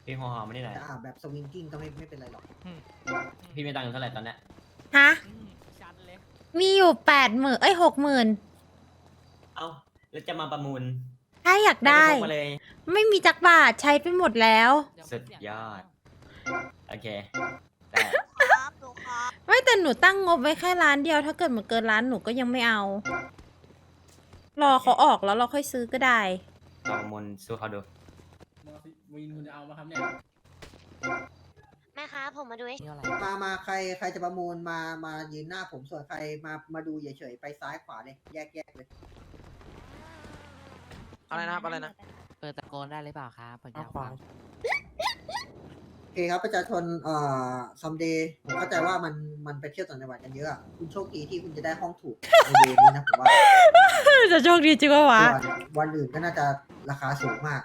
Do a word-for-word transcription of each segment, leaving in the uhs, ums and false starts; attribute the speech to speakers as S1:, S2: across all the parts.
S1: พี่หอมไม่ได้ไหน
S2: อ่าแบบสวิงกิ้งก็ไม่ไม่เป็นไรหรอก
S1: พี่มีตังค์อยู่เท่าไหร่ตอนเนี้ย
S3: ฮะ มีอยู่แปดหมื่นเอ้ยหกหมื่น
S1: เอ้าแล้วจะมาประมูล
S3: ถ้าอยากได้
S1: ม่พกมาเลย
S3: ไม่มีจักบาทใช้ไปหมดแล้ว
S1: สุดยอด โอเคได้
S4: ครับหนูครับ
S3: ไม่แต่หนูตั้งงบไว้แค่ร้านเดียว ถ้าเกิดมันเกินร้านหนูก็ยังไม่เอา รอเขาออกแล้วเราค่อยซื้อก็ได้
S1: ลองประมูลสู้เขาดู
S5: วินคุณจะเอามาครับเนี่ย
S4: แม่ครับผมมาดูให้
S2: มามาใครใครจะประมูลมามายืนหน้าผมส่วนใครมามาดูเฉยๆไปซ้ายขวาเลยแยกแยกเลย
S6: อะไรนะครับอะไรนะ
S7: เปิดตะโกนได้หรือเปล่าครับผมอยากฟัง
S2: โอเคครับประชาชนเอ่อซัมเดย์ผมเข้าใจว่ามันมันไปเที่ยวต่างจังหวัดกันเยอะอะคุณโชคดีที่คุณจะได้ห้องถูกในเวรนี้นะผมว่า
S3: จะโชคดีจริงวะ
S2: ส่วนวันอื่นก็น่าจะราคาสูงมาก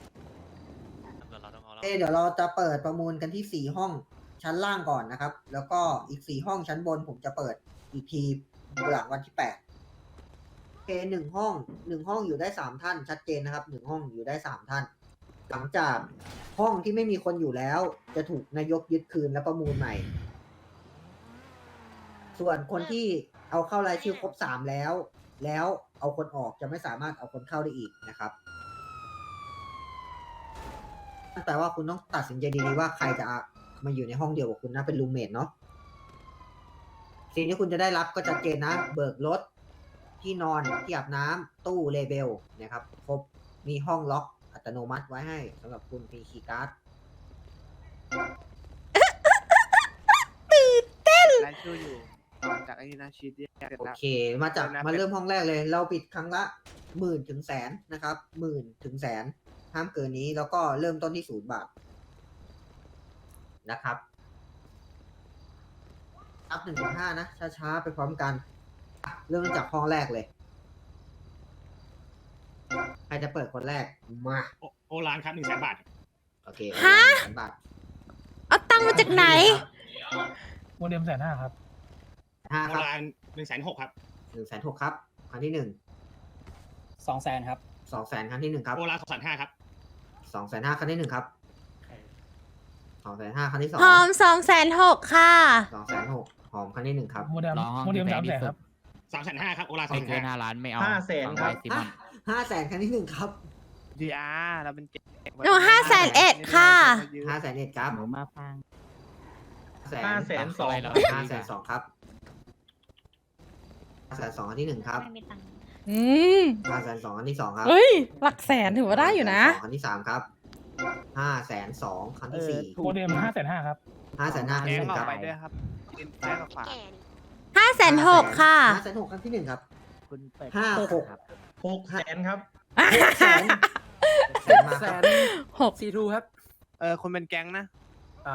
S2: เอเดี๋ยวเราจะเปิดประมูลกันที่สี่ห้องชั้นล่างก่อนนะครับ แล้วก็อีกสี่ห้องชั้นบนผมจะเปิดอีกทีหลังวันที่แปดโอเคหนึ่งห้องหนึ่งห้องอยู่ได้สามท่านชัดเจนนะครับหนึ่งห้องอยู่ได้สามท่าน หลังจากห้องที่ไม่มีคนอยู่แล้ว จะถูกนายกยึดคืนและประมูลใหม่ ส่วนคนที่เอาเข้ารายชื่อครบสามแล้ว แล้วเอาคนออกจะไม่สามารถเอาคนเข้าได้อีกนะครับนั่นแปลว่าคุณต้องตัดสินใจดีๆว่าใครจะมาอยู่ในห้องเดียวกับคุณนะเป็นรูมเมทเนาะสิ่งที่คุณจะได้รับก็ชัดเจนนะ เบิกรถที่นอนที่อาบน้ำตู้เลเบลนะครับครบมีห้องล็อกอัตโนมัติไว้ให้สำหรับคุณมีคีย์การ์ด
S6: รายชื่ออยู่ต่อจากไอ้นี่นะชีตแยกเสร็จ
S2: โอ
S6: แล้ว
S2: เค มาจากมาเริ่มห้องแรกเลย เราปิดครั้งละหมื่นถึงแสนนะครับหมื่นถึงแสนห้ามเกินนี้แล้วก็เริ่มต้นที่ศูนย์บาทนะครับนับหนึ่งถึงห้านะช้าๆไปพร้อมกันเริ่มจากห้องแรกเลยใครจะเปิดคนแรกมา
S5: โอรานครับหนึ่งแสนบาท
S2: โอเค
S3: ฮะ
S2: หนึ่งบาท
S3: เอาตังค์มาจากไหน
S5: โมเดมแสนห้าครับ
S2: ห้า
S5: โอ
S2: ครับ
S5: รานหนึ่งแสนหกครับ
S2: หนึ่งแสนหกครับครั้งที่หนึ่ง
S5: สองแสนครับ
S2: สองแสนครั้งที่หนึ่งครับ
S5: โอรานสองแสนห้าครับ
S2: สองแสนห้าครั้งที่หนึ่งครับสองแสนห้าครั้งที่สอง
S3: หอมสองแสนหกค่ะ
S2: สองแสนหกหอมครั้งที่หนึ่งครับ
S5: โมเดม
S7: รอห้อง
S5: โมเดม
S7: ที่
S5: สาม
S7: แพงที่
S5: แสน
S7: สุด
S5: ครับสามแสนห้าครับ โอรานสอ
S7: ไม่
S5: งแส
S7: เกิน
S5: น
S7: ห้า
S5: ห้า
S7: ล้านไม่เอา
S5: ห้าแสน
S7: ฟัง
S5: ครับ
S7: ไว้ซิมอน
S2: ห้าแสนครั้งที่หนึ่งครับ
S6: ดีอาร์เราเป็นเจ็ด
S3: หนูห้าแสนเอ็ดค่ะ
S2: ห้าแสนเอ็ดครับ
S7: หนูมาฟัง
S2: ห้าแสน
S5: สอง
S2: ห้าแสนสองครับห้าแสนสองครั้งที่หนึ่งครับ
S3: อืม
S2: ห้าแสนสองครั้งที่สองครับ
S3: เฮ้ย หลักแสนถือว่าได้อยู่นะ
S2: ห้าแสสงครั้งที่สามครับห้าแสนสองครั้งที่สี่
S5: โมเดมห้าแสนห้าครับ
S2: ห้าแสนห้าครั้ง
S6: แก
S2: ที่
S6: ง
S2: หนึ่ง
S6: ออ
S2: ค
S6: ก
S2: รับ
S6: ไปด้วยครับกินซ้ายกับขวา
S4: แก่นี่
S3: ห้าแสนหกค่ะ
S2: ห้าแสนหกครั้งที่หนึ่งครับ
S7: คุณเปิด
S2: ห้าหก
S7: ครับ
S5: หกแสนครับ
S2: หกแสนแสนมาครับ
S3: หก
S7: ซีทูครับ
S6: เออคนเป็นแก๊งนะ
S5: อ่า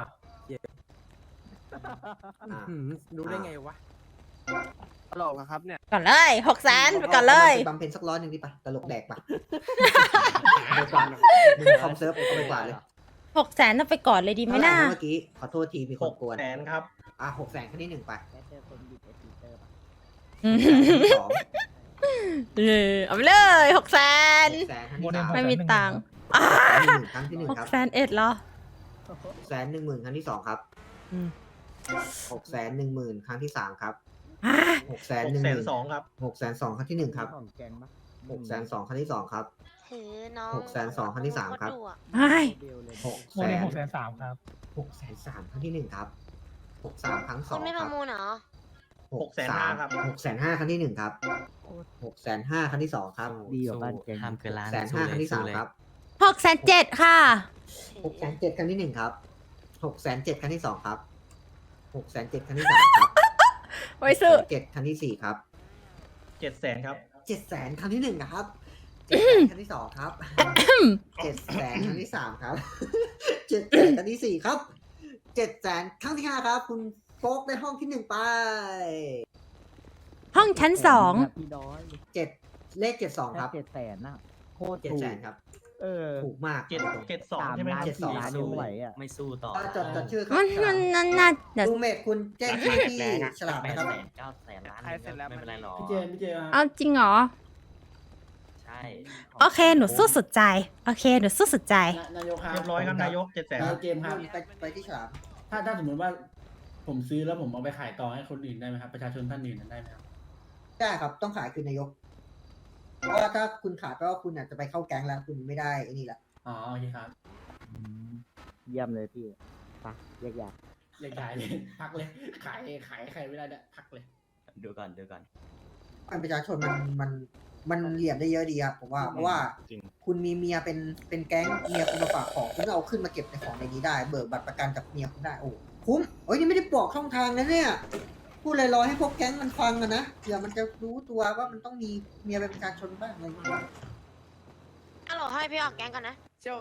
S2: อ่า
S7: รู้ได้ไงวะ
S6: ตลกเหรอครับเนี่ย
S3: ก่อนเลยหกแสนไปก่อนเลย
S2: บำเพ็ญสักร้อยหนึ่งดิปะตลกแดกปะไปกว่ามึงคอมเซิร์ฟเอาไปกว่าเลย
S3: หกแสนต้องไปก่อนเลยดีไหม
S2: เท่าไหร่
S3: น่า
S2: นะเมื่อกี้ขอโทษทีมีคนกวน
S5: แสนครับ
S2: อ่ะหกแสนครั้งที่หนึ่งไป
S7: แล้วเจอคนบิดไอทีเตอร์ปะ
S3: อืม
S2: ครั้งที่สอง
S3: เออเอาไปเลยหกแสน
S2: หกแสนครั้งที่สาม
S3: ไม่มีตังค์
S2: ครั้งที่หนึ่งครั้งที่หนึ่ง
S3: หก
S2: ครับ
S3: แสนเอ็ดเหรอ
S2: หกแสนหนึ่งหมื่นครั้งที่สองครับ
S3: อืม
S2: หกแสนหนึ่งหมื่นครั้งที่สามครับ
S3: อ่ะ
S2: หกแสนหนึ่งหมื่น
S5: ครับ
S2: หกแสนสองครั้งที่หนึ่งครับ
S7: ของแกงปะ
S2: หกแสนสองครั้งที่สองครับ
S4: ถือน้อง
S2: หกแสนสองครั้งที่สามครับ
S4: โตดุอะ
S3: ไม่
S7: เดียวเลย
S2: หก
S5: โม
S2: แส
S5: เดม
S2: น
S5: หกแสนสามครับ
S2: หกแสนสามครั้งที่หนึ่งครับหกสามครั้งส
S4: คุ
S2: อ
S4: ณ
S2: ง
S4: ไม่
S2: ค
S4: ป
S2: รั
S4: ระ
S2: บ
S4: มูลเหรอ
S2: หกแสนห้าครับหกแสนห้าครั้งที่หนึ่งครับหกแสนห้าครั้งที่สองครับ
S7: ดีกว่าบ้านแกง
S1: ห้ามเกินล้าน
S2: แสนห้าครั้งที่สามครับ
S3: หกแสนเจ็ดค่ะ
S2: หกแสนเจ็ดครั้งที่หนึ่งครับหกแสนเจ็ดครั้งที่สองครับหกแสนเจ็ดครั้งที่สามครับ
S3: ไว้ซื้อ
S2: เจ็ดครั้งที่สี่ครับ
S5: เจ็ดแสนครับ
S2: เจ็ดแสนครั้งที่หนึ่งนะครับเจ็ดแสนครั้งที่สองครับเจ็ดแสนครั้งที่สามครับเจ็ดแสนครั้งที่สี่ครับเจ็ดแสนครั้งที่ห้าครับ คุณโฟกได้ห้องที่หนึ่งไป
S3: ห้องชั้นสอง
S7: พี่ดอย
S2: เจ็ดเลขเจ็ดสอง
S7: แค่
S2: ครับ
S7: เจ็ดแสนน่ะโคตร
S2: เจ็ด
S7: ถู
S2: แส
S7: ก
S2: นครับ
S7: เออ
S2: ถูกมาก
S5: เจ็ดเจ็ดสอง
S7: สาม
S5: ใช่ไหม
S7: ล้าน
S5: ครับ
S7: สี่ล้านยังไหวอ่ะ
S1: ไม่สู้ต่อ
S2: อ่าจดจดชื่อครั
S3: มันมันนั่นน่ะเดี๋ยว
S2: ลูเมดคุณแจ้งชื่อที่ฉลาก
S1: แป
S2: นะ
S1: ด
S2: ครับ
S1: แสนเก้าแสนล้านไม่เป็นไรหรอก
S5: พี่เจนพี่เจน
S3: เอาจริงเหรอ
S1: ใช่
S3: โอเค หนูสู้สุดใจ โอเค หนูสู้สุดใจ
S8: นายกครับ
S5: เรียบร้อยครับนายกเจ็ดแสน
S8: เกมครับ
S2: ไปไปที่ฉลาม
S8: ถ้าถ้าสมมติว่าผมซื้อแล้วผมเอาไปขายต่อให้คนอื่นได้ไหมครับ ประชาชนท่านอื่นได้ไหมครับ
S2: ได้ครับต้องขายคืนนายก เพราะว่าถ้าคุณขายแปลว่าคุณอาจจะไปเข้าแก๊งแล้วคุณไม่ได้ไอ้นี่แหละ
S8: อ๋อโอเคครับ
S7: อืมเยี่ยมเลยพี่ไปแยกย้าย
S8: เรียกขายเลย พักเลย ขายขายใครไม่ได้เนี่ยพักเลย
S1: ดูก่อนดูก่อน
S2: มันประชาชนมันมันมันเหลี่ยมได้เยอะดีครับผมว่าเพราะว่า
S1: จริง
S2: คุณมีเมียเป็นเป็นแก๊งเมียคุณมาฝากของคุณก็เอาขึ้นมาเก็บในของในนี้ได้เบิกบัตรประกันจากเมียคุณได้โอ้คุ้มเอ้ยนี่ไม่ได้บอกช่องทางนะเนี่ยพูดลอยๆให้พวกแก๊งมันฟังอะนะเผื่อมันจะรู้ตัวว่ามันต้องมีเมียเป็นประชาชนบ้างอะไรอย่างเงี้ย
S4: ฮัลโหลให้พี่ออกแก๊งก่อนนะ
S6: เจ้า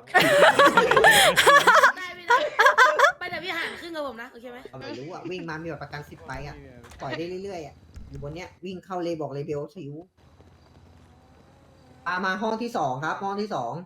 S9: ได้ไม่ได้ไปแต่พี่หารครึ่งกับผมนะ โอเคไหม
S2: เอาไม่รู้อ่ะวิ่งมามีบัตรประกันสิบใบอ่ะปล่อยได้เรื่อยๆอ่ะอยู่บนเนี้ยวิ่งเข้าเลยบอกเลยเบลสิวอามาห้องที่สองครับ ห้องที่สอง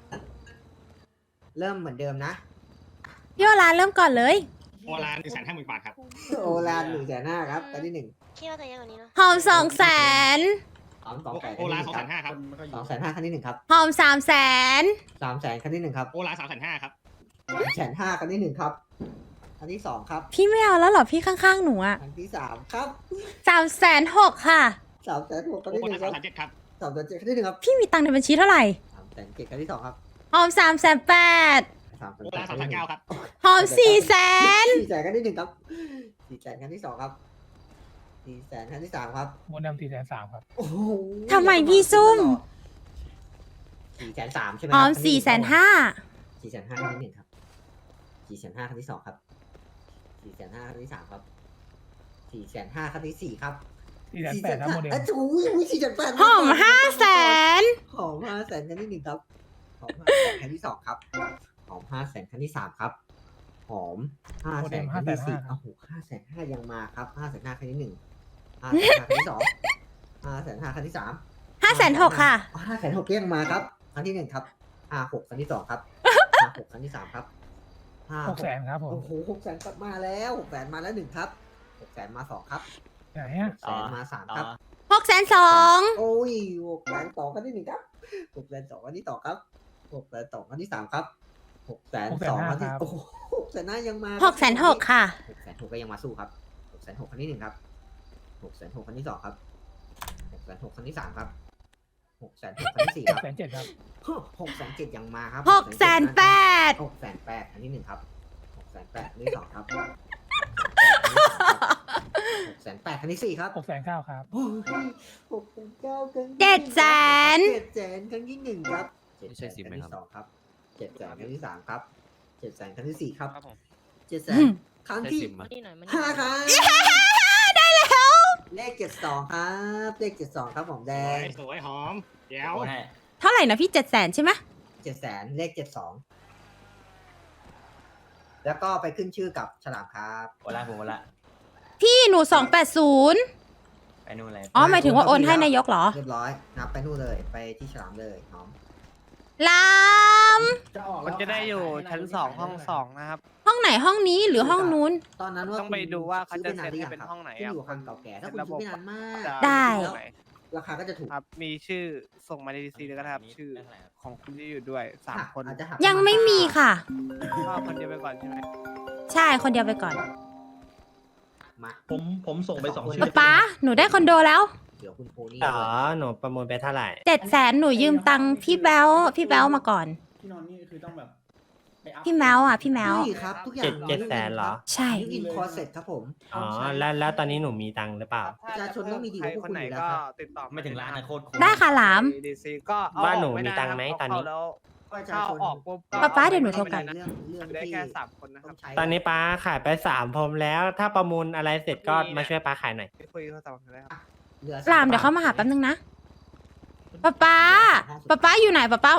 S2: เริ่มเหมือนเดิมนะ
S3: พี่โอลานเริ่มก่อนเลย
S5: โอลานหนึ่งแสนห้าหมื่นบาทครับ
S2: โอลานหนึ่งแสนห้าครับกันที่หนึ่ง
S4: คิดว่าจะเยอะกว่านี้เนาะ
S3: หอมสองแสน
S2: สองสองแสน
S5: โอลานสองแสนห้าครับ
S2: สองแสนห้าครั้งที่หนึ่งครับ
S3: หอมสามแสน
S2: สามแสนครั้งที่หนึ่งครับ
S5: โอลานสามแสนห้าครับ
S2: สามแสนห้าครั้งที่หนึ่งครับครั้งที่สองครับ
S3: พี่ไม่เอาแล้วเหรอพี่ข้างๆหนูอะ
S2: ครั้งที่สามครับ
S3: สามแสนหกค่ะ
S2: สามแสนหกครั้ง
S5: โอ
S2: ที่หนึ่งค
S5: ลา
S2: รั
S5: น
S2: บ
S5: สามแสนเจ็ดครับ
S2: สามแสนเจ็ดครั้งที่หนึ่งครับ
S3: พี่มีตังค์ในบัญชีเท่าไหร่
S2: สามแสนเจ็ดครั้งที่สองครับ
S3: หอมสามแสนแปด
S2: สามแสน
S5: โอ
S2: แป
S5: ลา
S2: ด
S5: น
S2: ค
S5: สา
S2: รั้
S5: ม
S2: ง
S5: แสน
S2: ที่หนึ่
S5: เก้าง ครับ
S3: หอมสี่แสน
S2: สี่แสนครั้งที่หนึ่งครับสี่แสนครั้งที่สองครับสี่แสนครั้งที่สามครับ
S5: โมเดลสี่แสนสามครับ
S2: โอ้โห
S3: ทำไมพี่ซุ่ม
S2: สี่แสนสามใช่ไหม
S3: หอมสี่แสนห้า
S2: สี่แสนห้าครั้งที่หนึ่งครับสี่แสนห้าครั้งที่สองครับสี่แสนห้าครั้งที่สามครับสี่แสนห้าครั้งที่สี่ครับ
S5: สี่แสนแปดครับโมเดล
S2: อ่ะถูสี่แสนแปด
S3: หอมห้าแสน
S2: หอมห้าแสนครั้งที่หนึ่งครับหอมห้าแสนครั้งที่สองครับหอมห้าแสนครั้งที่สามครับหอมห้าแสนครั้งที่สี่โอ้โหห้าแสนห้ายังมาครับห้าแสนห้าครั้งที่หนึ่งห้าแสนห้าครั้งที่สองห้าแสนห้าครั้งที่สาม
S3: ห้าแสนหกค่ะ
S2: ห้าแสนหกยังมาครับครั้งที่หนึ่งครับห้าหกครั้งที่สองครับห้าหกครั้งที่สามครับห้า
S5: หกแสนครับผม
S2: โอ้โหหกแสนกลับมาแล้วหกแสนมาแล้วหนึ่งครับหกแสนมาสองครับ
S5: ไหนอ่ะ
S2: หกแสนมาสามครับ
S3: หกแสนสอง
S2: โอ้ยหกแสนสองครั้งที่หนึ่งครับหกแสนสองครั้งที่สองครับหกแสนสองครั้งที่สามครับหกแสนสองครั้งที่โอ้โหหกแสนห้ายังมา
S3: หกแสนหกค่ะ
S2: หกแสนหกก็ยังมาสู้ครับหกแสนหกครั้งที่หนึ่งครับหกแสนหกครั้งที่สองครับหกแสนหกครั้งที่สามครับหกแสนหกครั้งที่สี่
S5: ห
S2: ค
S5: ก
S2: รับ
S5: แสนเจ็ดครับ
S2: หกแสนเจ็ดยังมาครับ
S3: หกแสนแปด
S2: หกแสนแปดครั้งที่หนึ่งครับหกแสนแปดครั้งที่สองครับหกแสนแปดครั้งที่สี่ครับ
S5: หกแสนเก้าครับ
S2: โอ้ยหกแสนเก้าครั้งที่
S3: เจ็ดแสน
S2: เจ็ดแสนครั้งที่หนึ่งครับเจ็ดแสนครั้งที่สองครับเจ็ดแสนครั้งที่สามครับเจ็ดแสนครั้งที่สี่ครับเจ็ดแสนครั้งที่ห้าครับได้แล้วเลขเจ็ดสองครับเลขเจ็ดสองครับผมแดง
S5: สวยหอมเดี๋ยว
S1: โอนให้
S3: เท่าไหร่นะพี่เจ็ดแสนใช่ไหม
S2: เจ็ดแสนเลขเจ็ดสองแล้วก็ไปขึ้นชื่อกับฉลามครับ
S1: โอละผมโอละ
S3: พี่หนูสองแปดศูนย์
S1: ไปนู่นเลย
S3: อ๋อหมายถึงว่าโอนให้นายกเหรอ
S2: เรียบร้อยนับไปนู่นเลยไปที่ฉลามเลยน้อง
S3: ลาม
S8: จะออก
S6: มันจะได้อยู่ชั้นสองห้องสองนะครับ
S3: ห้องไหนห้องนี้หรือห้องนู้น
S2: ตอนนั้นว่า
S6: ต้องไปดูว่าเขาจะ
S2: ซื้อ
S6: เซ็น
S2: ไป
S6: ให้เป็น
S2: นาน
S6: ห้องไหน
S2: ขึ้น
S6: อะ
S2: อยู่กับความเก่าแก่ถ้าคุณ
S6: ระบบ
S2: ซื้อไม่นานมาก
S6: จะ
S3: ได้
S6: อยู่ไหน
S2: ราคาก็จะถูก
S6: ครับ มีชื่อส่งมาในดีซีเลยก็ได้ครับ ชื่อของคุณที่อยู่ด้วยสามคน
S2: อาจจะหัก
S3: ยังไม่มีค่ะ
S6: ก็คนเดียวไปก่อนใช่ไหม
S3: ใช่คนเดียวไปก่อน
S2: มา
S5: ผมผมส่งไปสองชื่
S3: ป๊าป๊าหนูได้คอนโดแล้ว
S2: เดี๋ยวคุณโพนี่
S7: อ๋อ หนูประมูลไปเท่าไหร่
S3: เจ็ดแสนหนูยืมตังค์พี่แบลพี่แบลมาก่อน
S8: ที่นอนนี่คือต้องแบบไปอัพ
S3: พี่แมวอ่ะพี่แมว
S2: นี่ครับทุกอย่าง
S7: เจ็ดเจ็ดแสนเหรอ
S3: ใช่
S2: ยูอินคอร์เซ็ตครับผม
S7: อ๋อ แล้วแล้วตอนนี้หนูมีตังค์หรือเปล่า
S2: ประชาชนต้องมีดีก
S6: ใคร
S2: ว่าพวก
S6: ค
S2: คุ
S6: น
S2: ณ
S6: ไหน
S2: อยู่แล้ว
S6: ก็
S2: ครับ
S6: ติดต่อ
S1: ไม่ถึงร้านนะโคตรคุ้ม
S3: ได้ค่ะหลาม
S6: ดีซีก็เอ
S7: บ้านหนู
S6: ออก
S7: มีตังค์ไหม
S6: ด้ะ
S7: ตอนนี้
S6: เข้าแล้ว
S2: ประชา
S6: เข้า
S2: ชน
S6: ออกปุ๊บก็
S3: ป๊าป๊าเดี๋ยวหนูโทรกลับ
S2: เรื่องเรื่อง
S6: ได้
S2: ที่
S6: แค่สามคนนะค
S2: ต้
S6: รั
S2: อบ งใช้
S7: ตอนนี้ป้าขายไปสามพรมแล้ว ถ้าประมูลอะไรเสร็จก็มาช่วยป้าขายหน่อย
S6: คุยโทรศัพท์กันเลยครับ
S2: เหลือ
S3: หลามเดี๋ยวเขามาหาแป๊บนึงนะป๊าป๊าป๊าป๊าอยู่ไหนป๊าป๊า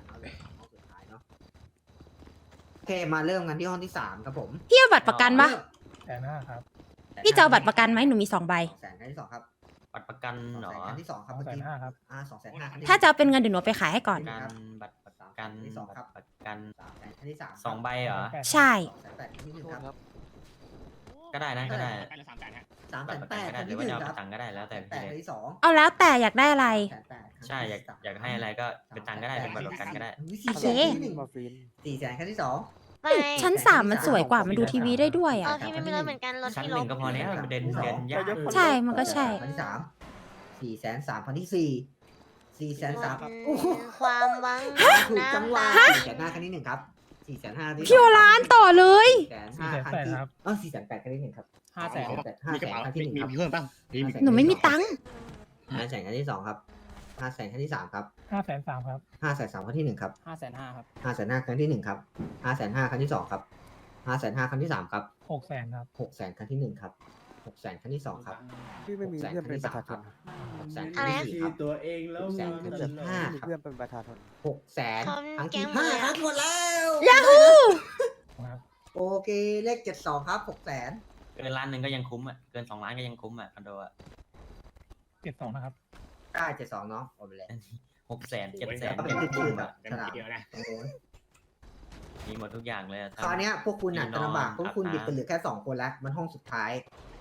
S2: โอเคมาเริ่มกันที่ห้องที่สามครับผม
S3: พี่เอาบัตรประกันปะ
S5: แสนห้าครับ
S3: พี่จะเอาบัตรประกันไหมหนูมีสองใบ
S2: สองแสนครั้งที่สองครับ
S1: บัตรประกัน
S2: สอง
S1: เหรอ
S2: แสนครั้งที่สองครับ
S5: สอง
S2: เมื่อ
S5: แสน
S2: กี้
S5: ห้าครับ
S2: อ่าสองแสนห้าครั้งที่
S3: ถ้าจะเอาเป็นเงินเดี๋ยวหนูเอาไปขายให้ก่อน
S1: ประกันบัตรประกัน
S2: ที่สองครับ
S1: บัตรประกัน
S2: สามแสนครั้งที่สาม
S1: สองใบเหรอ
S3: ใช่
S2: สองแสนแปดครั้งที่หนึ่งครับ
S1: ก็ได้นะก็ได้
S5: ไปละสามแสนฮะ
S2: สาม
S1: บั
S2: แส
S1: ตร
S2: น
S1: ประ
S2: แป
S1: กัน
S2: ด
S1: ก็
S2: ค
S1: ได้
S2: รั้ง
S1: หรือ
S2: ที่ห
S1: ว่า
S2: นึ่ง
S1: จะ
S2: ครับ
S1: เอาไปตังค์ก็ได้แล้วแต่
S2: แป
S1: พี่
S2: ด
S1: เลย
S2: ครั้งที่สอง
S3: เอาแล้วแต่อยากได้อะไร
S2: แสนแปด
S1: ใช่อยากอยากให้อะไรก็เป็นตังค์ก็ได้เป็นบัตรประกันก็ได้
S2: สี่แสนครั้งที่หนึ่ง
S6: มาฟิน
S2: สี่แสนครั้งที่สอง
S4: ไม่
S3: ชั้นสามมันสวยกว่ามันดูทีวีได้ด้วย
S4: เอ
S3: อ่ะ
S4: อพี่ไม่มีรถเหมือนกันรถ
S1: ชั้น
S4: พี่
S1: ห
S4: ล
S1: นึ่
S4: บ
S1: งก็พอแล้วมันเดินเดินยาก
S3: ใช่มันก็ใช่
S2: ครั้งที่สามสี่แสนสามครั้งที่สี่สี่แสนสาม
S4: อืมความหวัง
S2: ถูกจังหวะ
S4: น้ำตา
S2: สี่แสนห้าครั้งที่หนึ่งครับสี่แสนห้า
S3: พี่โอรานต่อเลย
S2: สี่แสนห้าครั้งที่เออสี่แสนแปดครั้งที่หนึ่งครับ
S6: ห้าแสน
S2: ห้าแสนครั้งที่หนึ่งครับ
S5: มีเพิ่มป่ะมีมี
S3: หนูไม่มีตังค์
S2: ห้าแสนครั้งที่สองครับห้าแสนครั้งที่สามครับ
S5: ห้าแสนสามครับ
S2: ห้าแสนสามครั้งที่หนึ่งครับ
S6: ห้าแสนห้าครับ
S2: ห้าแสนห้าครั้งที่หนึ่งครับห้าแสนห้าครั้งที่สองครับห้าแสนห้าครั้งที่สามครับ
S5: หกแสนครับ
S2: หกแสนครั้งที่หนึ่งครับหกแสนครั้งที่สองครับ
S6: พี่ไม่มีเพื่อนเป็นประชาชน
S2: หกแสนครั้งที่สี่ครับ
S8: ตัวเองแล้ว
S2: หกแสนครั้งที่ห้า
S6: มี
S2: ครับ
S6: เพื่อนเป็นประชาชน
S2: หกแสน
S4: คน
S2: ครั้ง
S4: แก๊
S2: ที่
S4: ง
S2: ห้า
S4: เลย
S2: ค
S4: อะ
S2: รับหมดแล้ว
S3: ยาฮู
S5: ครับ
S2: โอเคเลขเจ็ดสองครับหกแสน
S1: เกินล้านหนึ่งก็ยังคุ้มอ่ะเกินสองล้านก็ยังคุ้มอ่ะคอนโดอ่ะ
S5: เจ็ดสองนะครับ
S2: ได้เจ็ดสองเนาะโอนไปเลย
S1: หกแสนเจ็ดแสน
S2: ก็เป็น
S1: ยัง
S2: ชื่
S1: คุ้
S2: อ
S1: ม
S2: แบ
S1: อ่ะ
S2: บฉลาดตรงโน้น
S1: มีหมดทุกอย่างเลยอะ
S2: คราวเนี้ยพวกคุณอ่ะ
S1: มีน
S2: จะ
S1: อน
S2: ลำบากพวกคุณ
S1: อาบ
S2: หยิบกันเหลือแค่สองคนแล้วมันห้องสุดท้าย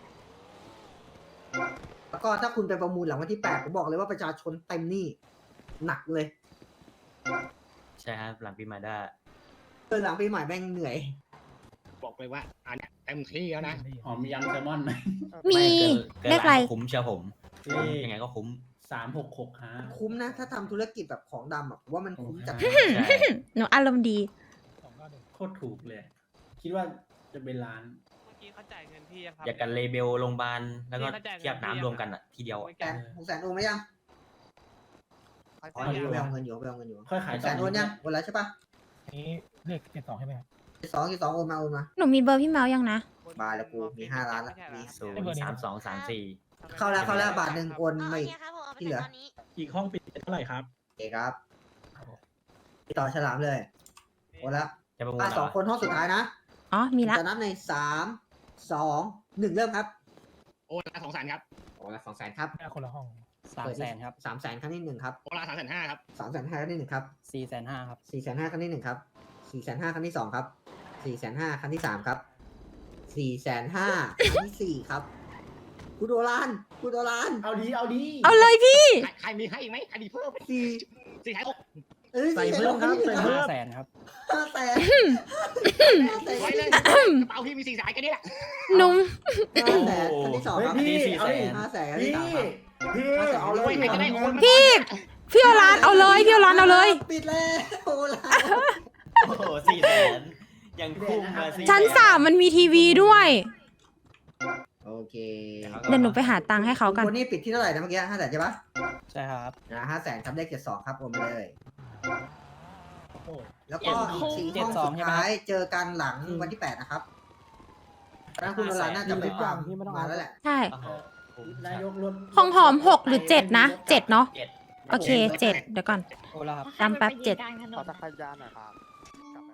S2: แล้วก็ถ้าคุณไปประมูลหลังวันที่แปดผมบอกเลยว่าประชาชนเต็มหนี่หนักเลย
S1: ใช่ครับหลังปีใหม่ได้
S2: เออหลังปีใหม่แม่งเหนื่อย
S5: บอกเลยว่าอันเนี้ยเต็มที่แล้วนะ
S8: หอมยำแซลมอนไหม
S3: มี
S1: เกิน
S3: เลขอะไร
S1: ล้านก็คุ้มเชียวผม
S8: เลข
S1: ยังไงก็คุ้ม
S8: สามหกหกห้า
S2: คุ้มนะ ถ้าทำธุรกิจแบบของดำอ่ะผมว่ามันคุ้มจัด
S1: ใช่
S3: หนูอารมณ์ดี
S5: สองเก้าหนึ่ง
S8: โคตรถูกเลย คิดว่าจะเป็นล้าน
S6: เมื่อกี้เขาจ่ายเงินพี่ยังครับ
S1: อยากกันเลเบลโรงพยาบาลแล้วก็
S6: นี่เข้าใจ
S1: เทียบน้ำรวมกันอ่ะทีเดียวอะ
S2: แสนหกแสนโอนไหมยังอ๋อเดี๋ยวไปเอาเงินอยู่ไปเอาเงินอยู่
S8: ค่อยขาย
S2: หกแสนโอนยังโอนแล้วใช่ปะ
S5: อันนี้เลขเจ็ดสองใช่ไหมครับ
S2: สองกี่สองโอนมาโอนมา
S3: หนูมีเบอร์พี่เมายังนะ
S2: บาร์แล้วกูมีห้าล้านละมี
S1: ศูนย์สามสองสามสี่
S2: เข้าแล้วเข้าแล้วบาทหนึ่งโอน
S4: เอา
S2: มา
S4: โอ
S2: อีก
S4: เคครับผมเอาไป
S2: ที่เหลือ
S4: ตอนนี้
S5: อีกห้องปิดเท่าไหร่ครับ
S2: โอเคครับติดต่อฉลามเลยโอนแล้ว
S1: จะประมูล
S2: อ่ะ
S1: เหร
S2: สอง
S1: อ
S2: คนห้องสุดท้ายนะ
S3: อ๋อ มีละ
S2: จะนับในสามสองหนึ่งเริ่มครับ
S5: โอนละสองแสนครับ
S2: โอนละสองแสนครับ
S5: ได้คนละห้อง
S6: สามแสนครับ
S2: สามแสนครั้งที่หนึ่งครับ
S5: โอนละสามแสนห้าครับ
S2: สามแสนห้าครั้งที่หนึ่งครับ
S6: สี่แสนห้าครับ
S2: สี่แสนห้าครั้งที่หนึ่งครับสี่แสนห้าครั้งที่สองครับสี่แสนห้าครั้งที่สามครับสี่แสนห้าครั้งที่สี่ครับคุณโดรานคุณโดราน
S8: เอาดีเอาดี
S3: เอาเลยพี่
S5: ใครใครมีให้อีกไหมใครมีเพิ่ม
S2: สี่
S5: สี่ท้ายหก
S2: เอ้ย
S8: ใส่เพิ่มครับใส่เพิ่ม
S6: แสนครับ
S2: ห้าแสนห้าแสน
S5: ไว้
S2: ค
S5: เล
S2: รั้
S5: ย
S2: ง
S5: กระเป๋าพี่มีสี่สายกันนี่แหละ
S3: หนุ่ม
S2: ที่แสนครั้งที่สอง
S8: เฮ้ย
S2: ครับ
S8: พี่
S1: สี่
S8: เอา
S1: แส
S8: ดิ
S1: น
S2: ห้าแสนครั้ง
S8: พี่
S2: ที่สามครับ
S8: พี่
S2: ห้าแสน
S8: เอาเลย
S5: โอ้ยใครจะได้โอน
S3: พี่ พี่โอรานเอาเลย พี่โอรานเอาเลย
S2: ปิดแล้วโอ้ลา
S1: โอ้โหสี่แสนยังคุ้มมาสี่
S3: ชั้นสามมันมีทีวีด้วย
S2: โอเค
S3: เดี๋ยวหนูไปหาตังค์ให้เขากัน
S2: คนนี้ปิดที่เท่าไหร่นะเมื่อกี้ห้าแสนใช่ปะ
S6: ใช่ครับ
S2: นะห้าแสนครับเลขเจ็ดสองครับโอนไปเลย
S5: โอ้โห
S2: แล้วก็อีกสี่ห้องสุดท้ายเจอกันหลังวันที่แปดนะครับตอนนั้นคุณโดรานน่าจะไปฟังมาแล้วแหละ
S3: ใช่
S1: โอ้โหคุ้ม
S8: นายกรถ
S3: ของหอมหกหรือเจ็ดนะเจ็ดเนาะ
S1: เจ็ด
S3: โอเคเจ็ดเดี๋ยวก่อน
S6: โอนแล้วครับ
S3: จำแป๊บเจ็ด
S6: ขอจักรยานหน่อยครับกลับมา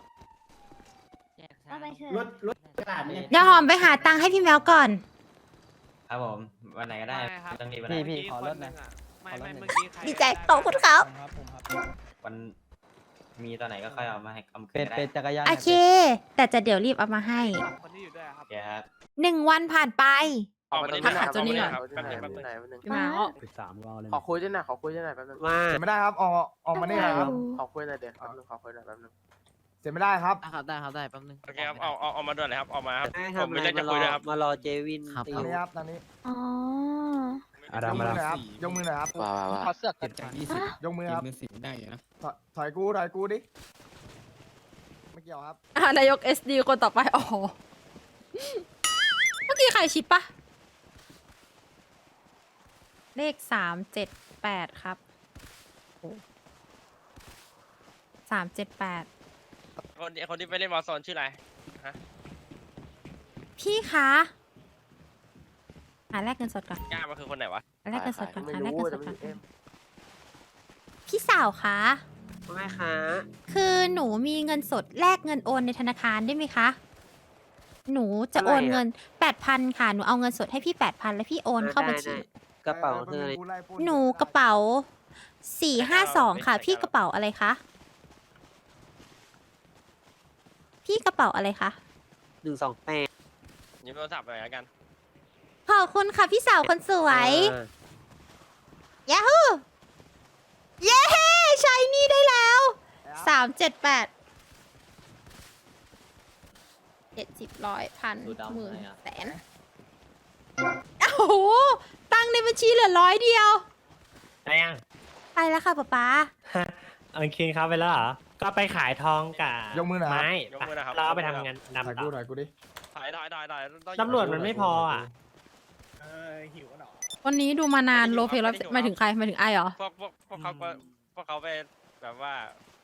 S9: เอาไปเถอะ
S8: รถรถกระดาษเนี่ย
S3: เดี๋ยวหอมไปหาตังค์ให้พี่แมวก่อน
S1: ครับผมวันไหนก็ได้ไม่ต้องรีบวันไหน
S6: พี่พี่ขอรถหน่อยไม่ไม่เมื่อกี้ใคร
S3: ดีใจขอบคุณครับ
S6: ครับผมครับ
S1: วันมีตอนไหนก็ค่อยเอามาให้เอามาคื
S6: เป็น
S1: นก็
S6: เป็
S1: ได้
S6: นจักรยาน
S3: โอเค แต่จะเดี๋ยวรีบเอามาให้
S6: คนที่อยู่ด้วยครับ
S1: โอเคครับ
S3: หนึ่งวันผ่านไป
S10: ออกมาตรง
S3: ทั
S10: นี้
S3: กหาเจ้านี่ก่อน
S10: แป๊บนึงแป๊บนึง
S3: พี่แมว
S6: สิบสามรอเลย
S10: ขอคุยด้วยหน่อยขอคุยด้วยหน่อยแป๊บนึง
S6: มา
S11: เสียไม่ได้ครับ ออกออกมานี่ครับ
S10: ขอคุยหน่อยเดี๋ยวแป๊บนึงขอคุยหน่อยแป๊บนึง
S11: เสียไม่ได้ครับ
S6: ครับได้ครับได้แป๊บนึง
S10: โอเคครับเอาเอาเอามาด้วยเลยครับเอามาครับ
S6: ให้
S10: ผม
S6: ทำ
S10: มี
S6: อะไร
S10: เรื่อง
S6: มา
S10: จะ
S6: ร
S10: คุ
S6: อย
S10: ด้วยครับ
S6: มารอเจวินตี
S11: ตอนนี้ครับตอนนี้
S9: อ๋อ
S6: อาราม
S11: ยกมื
S6: อา
S11: อห
S6: ราม
S11: น่อยครับ ยกมือหน่อยครับ
S10: ว้าวว้าวว้าว
S6: ขอเสื้อเก็บจากยี่สิบ
S11: ยกมือครับ
S6: มือสีได้นะ
S11: ถอยถอยกูถอยกูดิ ไม่เกี่ยวครับ
S3: อ่ะนายก เอส ดี คนต่อไป อ๋อ เมื่อกี้ใครชิปปะเลขสามเจ็ดแปดครับสามเจ็ดแปด
S10: คนที่คนที่ไปเล่นวอลโซนชื่ออะไร
S3: พี่คะหาแลกเงินสดก่อน
S10: ย่ามันคือคนไหนวะ
S3: หาแลกเงินสดก่อน
S10: ไม่
S3: หา
S10: รู้
S3: แลกเงินสด
S10: แต่
S3: ก่
S10: ไม่
S3: อน
S10: รู้
S3: พี่สาวคะ
S6: ไม่คะ
S3: คือหนูมีเงินสดแลกเงินโอนในธนาคารได้ไหมคะ หนูจะโอนเงินแปดพันค่ะ หนูเอาเงินสดให้พี่แปดพันแล้วพี่โอนเข้าบัญชี
S6: กระเป๋าเธอ
S11: กูไล่ปล้น
S3: หนูกระเป๋าสี่ห้าสองค่ะ พี่กระเป๋าอะไรคะ พี่กระเป๋าอะไรคะ
S6: หนึ่งสองแปด
S10: ยืมโทรศัพท์หน่อยละกัน
S3: ฮอบคุณค่ะพี่สาวคนสวยยาฮูเย้ใช้นี่ได้แล้วสามเจ็ดแปดเจ็ดสิบร้อยพัน
S1: ดูดำ
S3: หมื่น
S1: เลยอะ
S3: แสนโอ้โหตังค์ในบัญชีเหลือร้อยเดียว
S7: ได้ยัง
S3: ไปแล้วค่ะป๊าป๊า
S7: โอเคครับไปแล้วเหรอ ก็ไปขายทองกับ
S11: ยกมือหน่อยครับ
S7: ไม้
S10: ยกมือนะครับ
S7: เราเอาไปทำงาน
S11: ถ่าย
S7: ดำต่
S11: กู
S7: อ
S11: หน่อยกูดิ
S10: ถ่ายถ่ายถ่ายถ่ายต้อง
S7: ตำรวจมันไม่พออ่ะ
S6: เออหิวกันเหรอ
S3: วันนี้ดูมานานโลเพลหมายถึงใครหมายถึงไอเหรอ
S10: พวกพวกพวกเขาก็พวกเขาไปแบบว่า